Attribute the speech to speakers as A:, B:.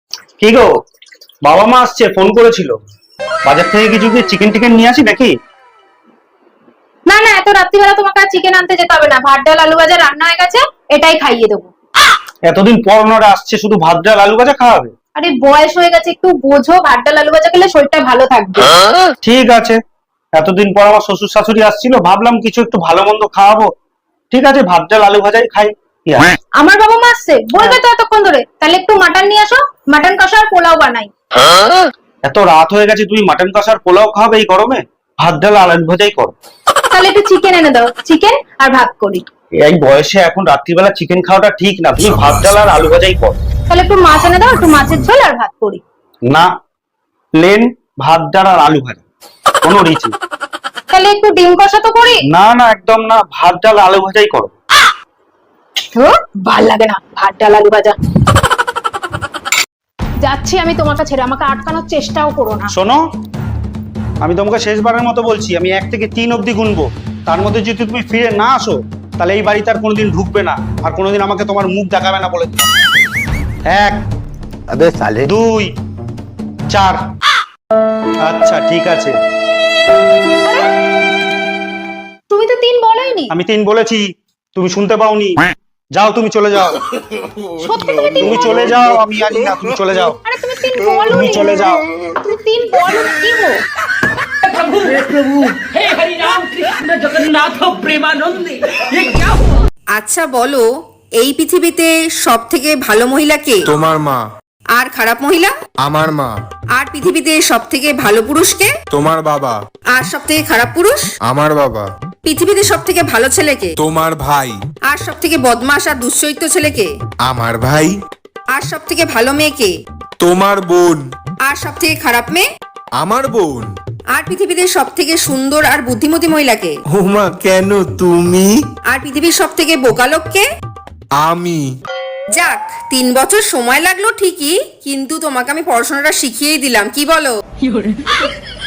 A: কি গো, বাবা মা আসছে, ফোন করেছিল। বাজার থেকে কিছু কি চিকেন টিকেন নিয়ে আসি নাকি?
B: না না, এত রাত্রিবেলা তোমাকে আর চিকেন আনতে যেতে হবে না, ভাত ডাল আলু ভাজা রান্না হয়ে গেছে, এটাই খাইয়ে দেবো।
A: এতদিন পর ওনারা আসছে, শুধু ভাত ডাল আলু ভাজা খাওয়াবে?
B: আরে বয়স হয়ে গেছে, একটু বোঝো, ভাত ডাল আলু ভাজা খেলে শরীরটা ভালো থাকবে।
A: ঠিক আছে, এতদিন পর আমার শ্বশুর শাশুড়ি আসছিল, ভাবলাম কিছু একটু ভালো মন্দ খাওয়াবো। ঠিক আছে, ভাত ডাল আলু ভাজাই খাই। কি আছে?
B: আমার বাবা মা আসছে বলবে তো এতক্ষণ ধরে, তাহলে একটু মাটন নিয়ে আসো, মাটন কষা আর পোলাও বানাই।
A: এত রাত হয়ে গেছে, তুমি মাটন কষার পোলাও খাবে এই গরমে? ভাত ডাল আলু ভাজাই করো।
B: তাহলে একটু চিকেন এনে দাও, চিকেন আর ভাত করি।
A: এই বয়সে এখন রাত্রিবেলা চিকেন খাওয়াটা ঠিক না, তুমি ভাত ডাল আর আলু ভাজাই করো।
B: তাহলে একটু মাছ এনে দাও, একটু মাছের ঝোল আর ভাত করি।
A: না, প্লেন ভাত ডাল আর আলু ভাজা, কোনো রিচ নেই।
B: তাহলে একটু ডিম কষা তো করি।
A: না না, একদম না, ভাত ডাল আলু ভাজাই করো।
B: ভাল লাগে না ভাত ডাল আলু ভাজা। যাচ্ছি আমি তোমাকে ছেড়ে, আমাকে আটকানোর চেষ্টাও করো না।
A: শোনো, আমি তোমাকে শেষবারের মতো বলছি, আমি 1 থেকে 3 অব্দি গুনবো। তার মধ্যে যদি তুমি ফিরে না আসো, তাহলে এই বাড়িতে আর কোনোদিন ঢুকবে না, আর কোনোদিন আমাকে তোমার মুখ দেখাবে না বলে দিলাম। 1,
C: अबे साले
A: 2, 4। আচ্ছা ঠিক আছে।
B: তুমি তো 3 বলোইনি।
A: আমি 3 বলেছি, তুমি শুনতে পাওনি। যাও, তুমি চলে যাও।
B: সত্যি তুমি 3
A: তুমি চলে যাও, আমি জানি না, তুমি চলে যাও।
B: আরে তুমি 3 বলোনি।
A: তুমি চলে যাও।
B: তুমি 3 বলো কি গো?
D: हे हरि राम कृष्ण जगन्नाथ प्रेमानंदी ये क्या हुआ?
E: আচ্ছা বলো, এই পৃথিবীতে সব থেকে ভালো মহিলা কে?
F: তোমার মা।
E: আর খারাপ মহিলা?
F: আমার মা।
E: আর পৃথিবীতে সব থেকে ভালো পুরুষ কে?
F: তোমার বাবা।
E: আর সব থেকে খারাপ পুরুষ?
F: আমার বাবা।
E: পৃথিবীতে সব থেকে ভালো ছেলে কে?
F: তোমার ভাই।
E: আর সব থেকে বদমাশ আর দুশ্চরিত্র ছেলে কে?
F: আমার ভাই।
E: আর সব থেকে ভালো মেয়ে কে?
F: তোমার বোন।
E: আর সব থেকে খারাপ মেয়ে?
F: আমার বোন।
E: আর পৃথিবীতে সব থেকে সুন্দর আর বুদ্ধিমতী মহিলা কে?
F: হুমা, কেন তুমি?
E: আর পৃথিবীর সব থেকে বোকা লোক কে?
F: আমি।
E: যাক, 3 বছর সময় লাগলো ঠিকই, কিন্তু তোমাকে আমি পড়াশোনাটা শিখিয়েই দিলাম, কি বলো?